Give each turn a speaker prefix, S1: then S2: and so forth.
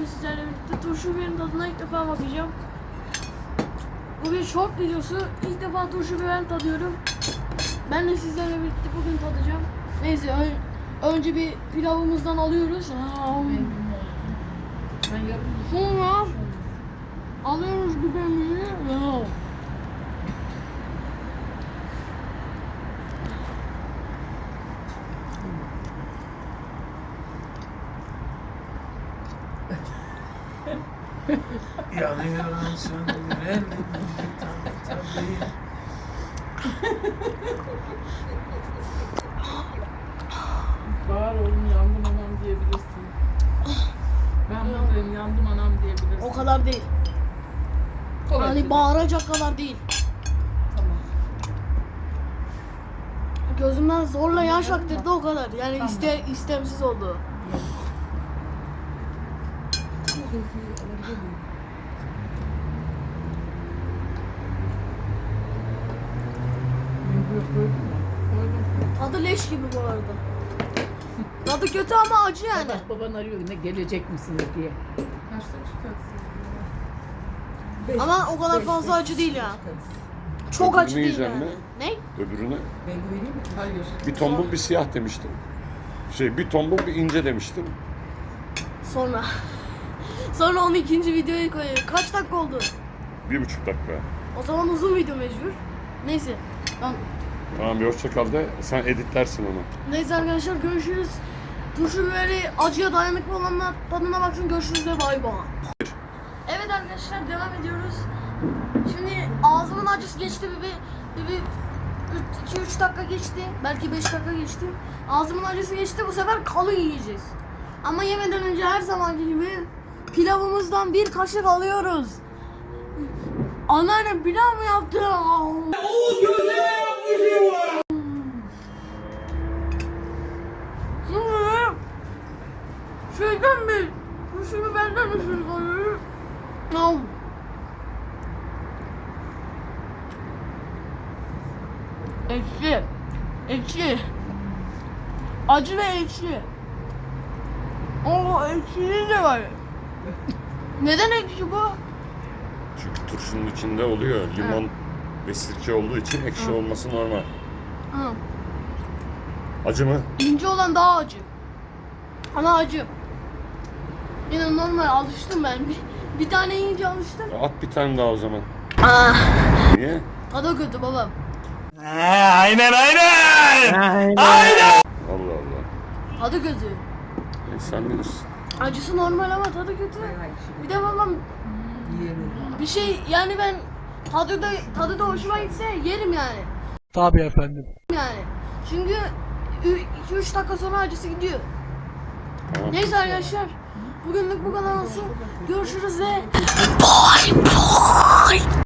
S1: bugün sizlerle birlikte turşu biberin tadına ilk defa bakacağım. Bu bir short videosu. İlk defa turşu biberini tadıyorum. Ben de sizlerle birlikte bugün tadacağım. Neyse önce bir pilavımızdan alıyoruz. Sonra alıyoruz biberimizi.
S2: Yanıyorum söndürelim tabii.
S3: Bağır oğlum yandım anam diyebilirsin. Ben buradayım yandım anam diyebilirsin.
S1: O kadar değil. Hani bağıracak kadar değil.
S3: Tamam.
S1: Gözümden zorla yaş aktırdı o kadar. Yani istemsiz oldu. Tadı leş gibi bu arada. Tadı kötü ama acı yani.
S4: Bak baban arıyor ne gelecek misiniz diye.
S3: Kaçta çıkarsın?
S1: Ama o kadar fazla acı değil ya. Çok acı değil
S5: yiyeceğim
S1: yani.
S5: mi?
S1: Ne?
S5: Öbürüne
S3: Ben güveneyim mi? Hayır.
S5: bir tombul bir siyah demiştim. Bir tombul bir ince demiştim.
S1: Sonra. Sonra onu ikinci videoya koyuyor. Kaç dakika oldu?
S5: 1,5 dakika.
S1: O zaman uzun video mecbur. Neyse.
S5: Tamam bir hoşça kal de sen editlersin onu.
S1: Neyse arkadaşlar görüşürüz. Turşu biberi acıya dayanıklı olanlar tadına baksın, görüşürüz ve bay bay. Evet arkadaşlar devam ediyoruz. Şimdi ağzımın acısı geçti bir 2-3 dakika geçti. Belki 5 dakika geçti. Ağzımın acısı geçti, bu sefer kalın yiyeceğiz. Ama yemeden önce her zamanki gibi pilavımızdan bir kaşık alıyoruz. Anneannem pilav mı yaptı? Şimdi şeyden bir turşu benden ısırık alıyorum. Ekşi. Ekşi. Acı ve ekşi. Oo, ekşiliği de var. Neden ekşi bu?
S5: Çünkü turşunun içinde oluyor. Limon ve sirke olduğu için ekşi olması normal.
S1: Ha.
S5: Acı mı?
S1: İnce olan daha acı. Ama acı. Yine normal alıştım ben. Bir tane yiyince alıştım.
S5: At bir tane daha o zaman. Niye?
S1: Tadı kötü babam.
S2: Aynen.
S5: Allah Allah.
S1: Tadı kötü.
S5: Sen bilirsin.
S1: Acısı normal ama tadı kötü. Bir de babam bir şey yani ben tadı da hoşuma gitse yerim yani.
S2: Tabii efendim.
S1: Yani. Çünkü 2-3 dakika sonra acısı gidiyor.
S5: Tamam.
S1: Neyse arkadaşlar. Bugünlük bu kadar olsun. Görüşürüz ve